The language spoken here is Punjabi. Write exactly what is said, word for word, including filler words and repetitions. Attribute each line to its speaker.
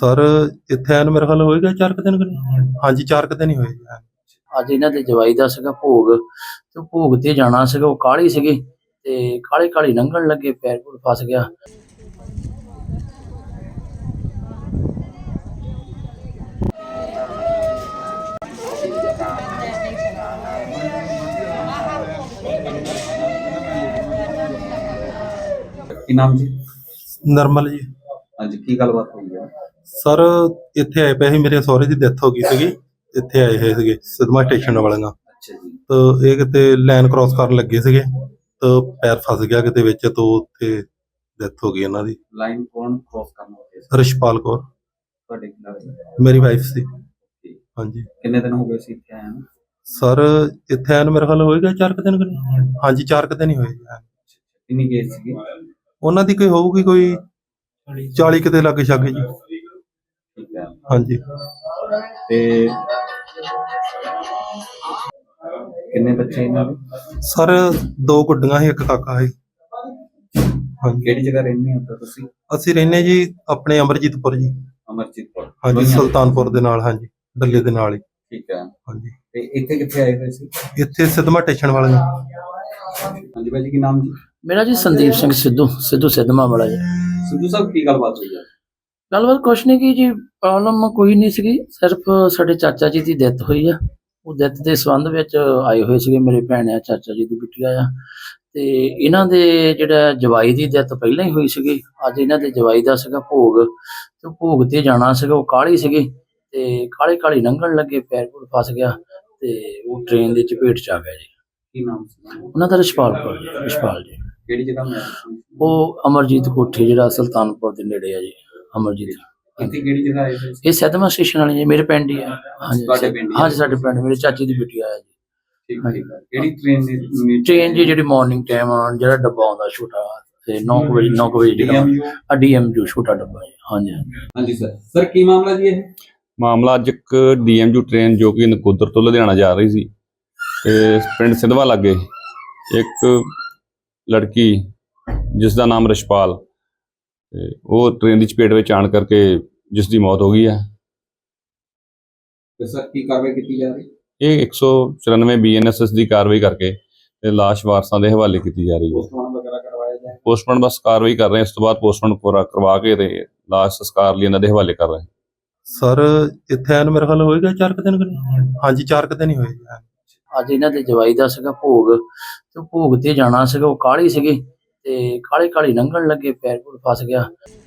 Speaker 1: ਸਰ ਇੱਥੇ ਆਏ ਨੂੰ ਮੇਰੇ ਖਿਆਲ ਹੋਏਗਾ ਚਾਰ ਕੁ ਦਿਨ ਕੁ ਨਹੀਂ। ਹਾਂਜੀ ਚਾਰ ਕੁ ਦਿਨ ਹੀ ਹੋਏ ਜੀ।
Speaker 2: ਅੱਜ ਇਹਨਾਂ ਦੇ ਜਵਾਈ ਦਾ ਸੀਗਾ ਭੋਗ ਤੇ ਭੋਗ ਤੇ ਜਾਣਾ ਸੀਗਾ। ਉਹ ਕਾਹਲੀ ਸੀਗੀ ਤੇ ਕਾਹਲੀ ਕਾਹਲੀ ਲੰਘਣ ਲੱਗੇ, ਪੈਰ ਪੂਰ ਫਸ ਗਿਆ।
Speaker 3: ਕੀ ਨਾਮ ਜੀ?
Speaker 1: ਨਰਮਲ ਜੀ।
Speaker 3: ਹਾਂਜੀ, ਕੀ ਗੱਲਬਾਤ ਹੋਈ ਹੈ?
Speaker 1: ਸਰ ਇੱਥੇ ਆਏ ਪਏ ਸੀ, ਮੇਰੇ ਸਹੁਰੇ ਦੀ ਡੈਥ ਹੋ ਗਈ ਸੀਗੀ। ਇੱਥੇ ਆਏ ਹੋਏ ਸੀਗੇ ਸਿਦਮਾ ਸਟੇਸ਼ਨ ਵਾਲਿਆਂ।
Speaker 3: ਅੱਛਾ ਜੀ।
Speaker 1: ਤਾਂ ਇਹ ਕਿਤੇ ਲਾਈਨ ਕ੍ਰਾਸ ਕਰਨ ਲੱਗੇ ਸੀਗੇ ਤਾਂ ਪੈਰ ਫਸ ਗਿਆ ਕਿਤੇ ਵਿੱਚ, ਤੋਂ ਉੱਥੇ ਡੈਥ ਹੋ ਗਈ ਇਹਨਾਂ ਦੀ।
Speaker 3: ਲਾਈਨ ਕੌਣ ਕ੍ਰਾਸ ਕਰਨ ਵਾਲੇ ਸੀ?
Speaker 1: ਰਿਸ਼ਪਾਲ ਕੌਰ
Speaker 3: ਤੁਹਾਡੇ ਕੀ ਲੱਗਦਾ?
Speaker 1: ਮੇਰੀ ਵਾਈਫ ਸੀ। ਹਾਂਜੀ।
Speaker 3: ਕਿੰਨੇ ਦਿਨ ਹੋ ਗਏ ਸੀ ਇੱਥੇ ਆਏ ਨੂੰ?
Speaker 1: ਸਰ ਇੱਥੇ ਆਏ ਨੂੰ ਮੇਰੇ ਖਿਆਲ ਹੋਏਗਾ ਚਾਰ ਕੁ ਦਿਨ ਕੁ ਨਹੀਂ। ਹਾਂਜੀ ਚਾਰ ਕੁ ਦਿਨ ਹੀ ਹੋਏ ਜੀ।
Speaker 3: ਕਿੰਨੀ ਕੇਸ ਸੀਗੀ?
Speaker 1: ਉਹਨਾਂ ਦੀ ਕੋਈ ਹੋਊਗੀ ਕੋਈ ਚਾਲੀ ਕਿਤੇ ਲਾਗੇ ਛਾਗੇ ਜੀ।
Speaker 3: ਠੀਕ ਹੈ।
Speaker 1: ਹਾਂਜੀ।
Speaker 3: ਤੇ ਕਿੰਨੇ ਬੱਚੇ ਇਹਨਾਂ ਦੇ?
Speaker 1: ਸਰ ਦੋ ਗੁੱਡੀਆਂ ਸੀ, ਇੱਕ ਕਾਕਾ ਸੀ। ਹਾਂਜੀ।
Speaker 3: ਕਿਹੜੀ ਜਗ੍ਹਾ ਰਹਿੰਦੇ ਹੋ ਤੁਸੀਂ?
Speaker 1: ਅਸੀਂ ਰਹਿੰਦੇ ਜੀ ਆਪਣੇ ਅਮਰਜੀਤਪੁਰ ਜੀ।
Speaker 3: ਅਮਰਜੀਤਪੁਰ।
Speaker 1: ਹਾਂਜੀ, ਸੁਲਤਾਨਪੁਰ ਦੇ ਨਾਲ। ਹਾਂਜੀ, ਡੱਲੇ ਦੇ ਨਾਲ ਹੀ।
Speaker 3: ਠੀਕ ਹੈ।
Speaker 1: ਹਾਂਜੀ।
Speaker 3: ਤੇ ਇੱਥੇ ਕਿੱਥੇ ਆਏ ਹੋਏ ਸੀ?
Speaker 1: ਇੱਥੇ ਸਿਦਮਾ ਸਟੇਸ਼ਨ ਵਾਲੇ।
Speaker 3: ਹਾਂਜੀ ਭਾਜੀ, ਕੀ ਨਾਮ ਜੀ?
Speaker 2: ਮੇਰਾ ਜੀ ਸੰਦੀਪ ਸਿੰਘ ਸਿੱਧੂ, ਸਿੱਧੂ ਸਿੱਧਵਾਂ ਵਾਲਾ ਜੀ।
Speaker 3: ਸਿੱਧੂ ਸਾਹਿਬ, ਕੀ ਗੱਲਬਾਤ ਹੋਈ ਹੈ?
Speaker 2: ਗੱਲਬਾਤ ਕੁਛ ਨਹੀਂ ਕੀ ਜੀ, ਪ੍ਰੋਬਲਮ ਕੋਈ ਨਹੀਂ ਸੀਗੀ। ਸਿਰਫ ਸਾਡੇ ਚਾਚਾ ਜੀ ਦੀ ਡੈਥ ਹੋਈ ਆ। ਉਹ ਡੈਥ ਦੇ ਸੰਬੰਧ ਵਿੱਚ ਆਏ ਹੋਏ ਸੀਗੇ। ਮੇਰੇ ਭੈਣ ਆ, ਚਾਚਾ ਜੀ ਦੀ ਬਿੱਟੀ ਆ। ਤੇ ਇਹਨਾਂ ਦੇ ਜਿਹੜਾ ਜਵਾਈ ਦੀ ਡੈਥ ਪਹਿਲਾਂ ਹੀ ਹੋਈ ਸੀਗੀ। ਅੱਜ ਇਹਨਾਂ ਦੇ ਜਵਾਈ ਦਾ ਸੀਗਾ ਭੋਗ ਤੇ ਭੋਗ ਤੇ ਜਾਣਾ ਸੀਗਾ। ਉਹ ਕਾਹਲੀ ਸੀਗੀ ਤੇ ਕਾਹਲੀ ਕਾਹਲੀ ਲੰਘਣ ਲੱਗੇ, ਪੈਰ ਪੂਰ ਫਸ ਗਿਆ ਤੇ ਉਹ ਟ੍ਰੇਨ ਦੇ ਚਪੇਟ ਚ ਆ ਗਿਆ ਜੀ।
Speaker 3: ਕੀ ਨਾਮ ਸੀ
Speaker 2: ਉਹਨਾਂ ਦਾ ਰਿਸ਼ਪਾਲ ਕੌਰ ਜੀ। ਰਿਸ਼ਪਾਲ ਜੀ।
Speaker 3: ਕਿਹੜੀ ਜਗ੍ਹਾ ਮੈਂ?
Speaker 2: ਉਹ ਅਮਰਜੀਤ ਕੋਠੀ, ਜਿਹੜਾ ਸੁਲਤਾਨਪੁਰ ਦੇ ਨੇੜੇ ਆ ਜੀ। ਅਮਰਜੀਤ
Speaker 3: ਇੱਥੇ ਕਿਹੜੀ ਜਗ੍ਹਾ ਆਏ ਹੋਏ ਸੀ?
Speaker 2: ਇਹ ਸਿਦਮਾ ਸਟੇਸ਼ਨ ਵਾਲੇ ਜੀ, ਮੇਰੇ ਪਿੰਡ ਹੀ ਆ। ਹਾਂਜੀ
Speaker 3: ਤੁਹਾਡੇ ਪਿੰਡ ਹੀ ਆ?
Speaker 2: ਹਾਂਜੀ, ਸਾਡੇ ਪਿੰਡ ਮੇਰੇ ਚਾਚੀ ਦੀ ਬੇਟੀ ਆਇਆ ਜੀ।
Speaker 3: ਠੀਕ ਠੀਕ ਹੈ। ਕਿਹੜੀ ਟ੍ਰੇਨ ਦੀ?
Speaker 2: ਟ੍ਰੇਨ ਜੀ ਜਿਹੜੀ ਮਾਰਨਿੰਗ ਟਾਈਮ ਜਿਹੜਾ ਡੱਬਾ ਆਉਂਦਾ ਛੋਟਾ, ਤੇ ਨੌ ਕੁ ਵਜੇ ਨੌ ਕੁ ਵਜੇ ਜਿਹੜਾ ਆ ਡੀਐਮਯੂ ਛੋਟਾ ਡੱਬਾ ਜੀ। ਹਾਂਜੀ ਹਾਂਜੀ।
Speaker 3: ਹਾਂਜੀ ਸਰ। ਸਰ ਕੀ ਮਾਮਲਾ ਜੀ ਇਹ?
Speaker 4: ਮਾਮਲਾ ਅੱਜ ਇੱਕ ਡੀਐਮਯੂ ਟ੍ਰੇਨ ਜੋ ਕਿ ਨਕੋਦਰ ਤੋਂ ਲੁਧਿਆਣਾ ਜਾ ਰਹੀ ਸੀ ਤੇ ਪਿੰਡ ਸਿਧਵਾ ਲਾਗੇ ਇੱਕ ਲੜਕੀ ਜਿਸ ਦਾ ਨਾਮ ਰਿਸ਼ਪਾਲ, ਤੇ ਉਹ ਟ੍ਰੇਨ ਦੀ ਚਪੇਟ ਵਿੱਚ ਆਣ ਕਰਕੇ ਜਿਸ ਦੀ ਮੌਤ ਹੋ ਗਈ ਹੈ।
Speaker 3: ਤੇ ਸਰ ਕੀ ਕਾਰਵਾਈ ਕੀਤੀ ਜਾ ਰਹੀ?
Speaker 4: ਇਹ ਇੱਕ ਸੌ ਚੁਰਾਨਵੇਂ ਬੀ ਐਨ ਐਸ ਐਸ ਦੀ ਕਾਰਵਾਈ ਕਰਕੇ ਤੇ ਲਾਸ਼ ਵਾਰਸਾਂ ਦੇ ਹਵਾਲੇ ਕੀਤੀ ਜਾ ਰਹੀ ਹੈ।
Speaker 3: ਪੋਸਟਮਾਰਟਮ ਵਗੈਰਾ ਕਰਵਾਇਆ ਜਾਏ?
Speaker 4: ਪੋਸਟਮਾਰਟਮ ਬਸ ਕਾਰਵਾਈ ਕਰ ਰਹੇ ਹਾਂ, ਇਸ ਤੋਂ ਬਾਅਦ ਪੋਸਟਮਾਰਟਮ ਪੂਰਾ ਕਰਵਾ ਕੇ ਤੇ ਲਾਸ਼ ਸੰਸਕਾਰ ਲਈ ਇਹਨਾਂ ਦੇ ਹਵਾਲੇ ਕਰ ਰਹੇ ਹਾਂ।
Speaker 1: ਸਰ ਇੱਥੇ ਆਏ ਨੂੰ ਮੇਰੇ ਖਿਆਲ ਹੋਏਗਾ ਚਾਰ ਕੁ ਦਿਨ ਕੁ ਨਹੀਂ। ਹਾਂਜੀ ਚਾਰ ਕੁ ਦਿਨ ਹੀ ਹੋਏ ਜੀ।
Speaker 2: ਅੱਜ ਇਹਨਾਂ ਦੇ ਜਵਾਈ ਦਾ ਸੀਗਾ ਭੋਗ ਤੇ ਭੋਗ ਤੇ ਜਾਣਾ ਸੀਗਾ। ਉਹ ਕਾਹਲੀ ਸੀਗੀ ਤੇ ਕਾਹਲੀ ਕਾਹਲੀ ਲੰਘਣ ਲੱਗੇ, ਪੈਰ ਪੂਰ ਫਸ ਗਿਆ।